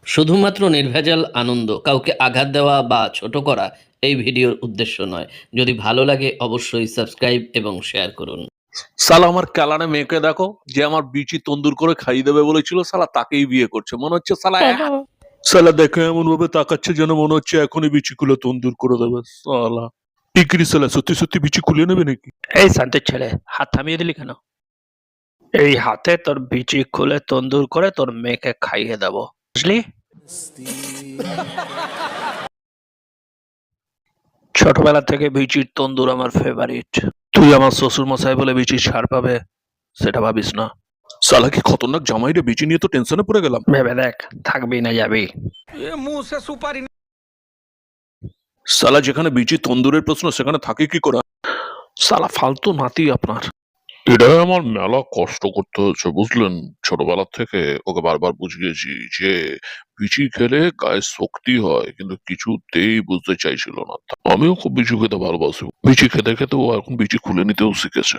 শুধুমাত্র নির্ভেজাল আনন্দ, কাউকে আঘাত দেওয়া বা ছোট করা এই ভিডিওর উদ্দেশ্য নয়। যদি ভালো লাগে অবশ্যই সাবস্ক্রাইব এবং শেয়ার করুন। সালা আমার ক্যালানে মেয়েকে দেখো, যে আমার বিচি তন্দুর করে খাইয়ে দেবে বলেছিল, সালা তাকেই বিয়ে করছে মনে হচ্ছে। সালা দেখে এমন ভাবে তাকাচ্ছে যেন মনে হচ্ছে এখনই বিচি খুলে তন্দুর করে দেবে। সালা টিকরি সালা সত্যি সত্যি বিচি খুলে নেবে নাকি? এই শান্তির ছেলে, হাত থামিয়ে দিলি কেন? এই হাতে তোর বিচি খুলে তন্দুর করে তোর মেয়েকে খাইয়ে দেবো, বুঝলি? ছোটবেলা থেকে বিচির তন্দুর আমার ফেভারিট। তুই আমার শ্বশুর মশাই বলে বিচির ছাড় পাবে সেটা ভাবিস না। সালা কি খতরনাক জামাই রে, বিচি নিয়ে তো টেনশনে পড়ে গেলাম। ভেবে দেখ, থাকবি না যাবি। সালা যেখানে বিচি তন্দুরের প্রশ্ন সেখানে থাকে কি করে? সালা ফালতু নাতি আপনার। এটা আমার মেলা কষ্ট করতে হচ্ছে বুঝলেন। ছোটবেলা থেকে ওকে বারবার বুঝিয়েছি যে বিচি খেলে গায়ে শক্তি হয়, কিন্তু কিছুতেই বুঝতে চাইছিল না। আমিও খুব বিচি খেতে ভালোবাসি। বিচি খেতে খেতে ও এখন বিচি খুলে নিতেও শিখেছে।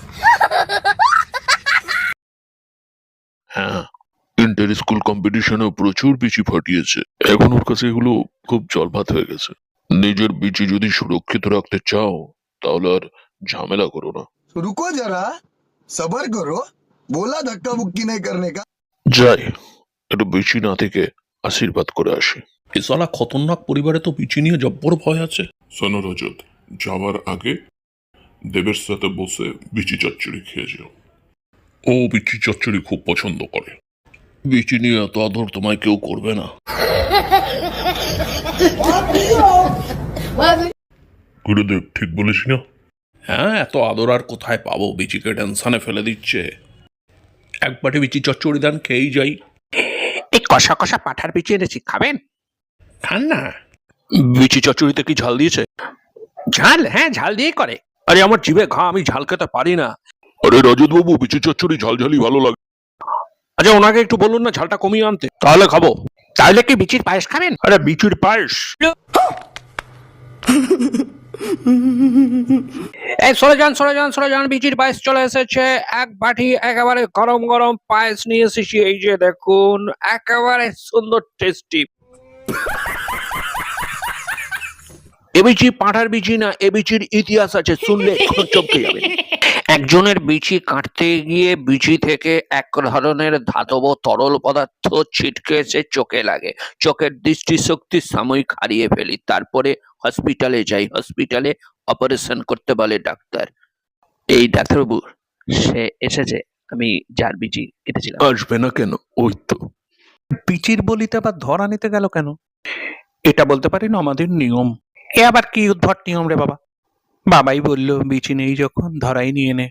হ্যাঁ, ইন্টার স্কুল কম্পিটিশনে প্রচুর বিচি ফাটিয়েছে। এখন ওর কাছে এগুলো খুব জলভাত হয়ে গেছে। নিজের বিচি যদি সুরক্ষিত রাখতে চাও তাহলে আর ঝামেলা করো না। रुको जरा सबर करो बोला धक्का मुक्की नहीं करने का। যাই একটু বিচি না থেকে আশীর্বাদ করে আসি। এ সালা খতরনাক পরিবারে তো বিচি নিয়ে জব্বর ভয় আছে। শোনো রজত, যাওয়ার আগে দেবের সাথে বসে বিচি চচ্চড়ি খেয়ে যাও। ও বিচি চচ্চড়ি খুব পছন্দ করে। বিচি নিয়ে এত আদর তোমায় কেউ করবে না। গুরুদেব ঠিক বলেছি না? হ্যাঁ, এত আদর আর কোথায় পাবো? বিচিকে টেনশনে ফেলে দিচ্ছে। এক বাটি বিচি চচ্চড়ি দেন, খেয়েই যাই। এই কষা কষা পাঠার বিচি এনেছি, খাবেন? খান না। বিচি চচ্চড়িতে কি ঝাল দিয়েছে? ঝাল? হ্যাঁ, ঝাল দিয়ে করে। আরে আমার জিভে ঘা, আমি ঝাল খেতে পারি না। আরে রজত বাবু, বিচি চচ্চড়ি ঝালঝালি ভালো লাগে। আচ্ছা ওনাকে একটু বলুন না ঝালটা কমিয়ে আনতে, তাহলে খাবো। তাহলে কি বিচির পায়েস খাবেন? আরে বিচির পায়েস? এই সরে যান সরে যান সরে যান, বিচির পায়েস চলে এসেছে। এক বাটি একেবারে গরম গরম পায়েস নিয়ে এসেছি, এই যে দেখুন, একেবারে সুন্দর টেস্টি। এ বিচি পাঁঠার বিচি না, এ বিচির ইতিহাস আছে, শুনলে চমকে যাবে। একজনের বিচি কাটতে গিয়ে বিচি থেকে এক ধরনের ধাতব তরল পদার্থ ছিটকে এসে চোখে লাগে। চোখের দৃষ্টিশক্তি সাময়িক হারিয়ে ফেলি, তারপরে হসপিটালে যাই। হসপিটালে অপারেশন করতে বলে ডাক্তার। এই ডাক্তারবাবু সে এসেছে, আমি যার বিচি কেটেছিলাম। আসবে না কেন? ওই তো। বিচির বলিতে আবার ধরা নিতে গেল কেন? এটা বলতে পারি না আমাদের নিয়ম। এ আবার কি উদ্ভট নিয়ম রে বাবা? বাবাই বললো বিচি নেই যখন ধরাই নিয়ে নে।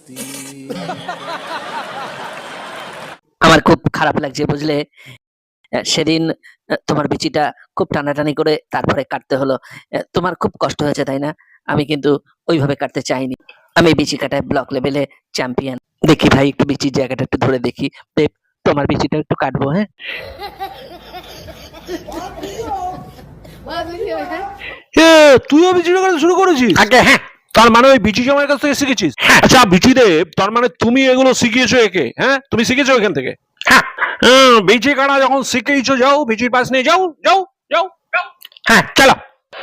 আমার খুব খারাপ লাগছে বুঝলে। সেদিন তোমার বিচিটা খুব টানাটানি করে তারপরে কাটতে হলো। তোমার খুব কষ্ট হয়েছে তাই না? আমি কিন্তু ওইভাবে কাটতে চাইনি। আমি বিচি কাটায় ব্লক লেভেলে চ্যাম্পিয়ন। দেখি ভাই, একটু বিচির জায়গাটা একটু ধরে দেখি। দেব, তোমার বিচিটা একটু কাটবো। হ্যাঁ, তুইও বিচি কাটা শুরু করেছিস? আগে হ্যাঁ। তার মানে ওই বিচি জামাইয়ের কাছ থেকে শিখেছিস? আচ্ছা বিচি দেব, তার মানে তুমি এগুলো শিখিয়েছো একে? হ্যাঁ, তুমি শিখেছো এখান থেকে? হ্যাঁ বিচি কাটা যখন শিখেইছো, যাও বিচির পাশ নিয়ে যাও যাও যাও যাও। হ্যাঁ, চলো।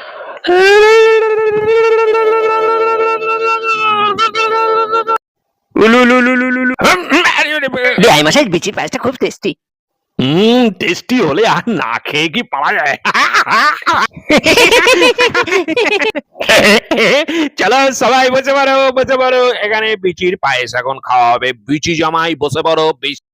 বেআই মশাই, বিচির পায়েসটা খুব টেস্টি। টেস্টি হলে আর না খেয়ে কি পাওয়া যায়? চলো সবাই বসে পারো বসে পারো, এখানে বিচির পায়েস এখন খাওয়া হবে। বিচি জামাই বসে পারো।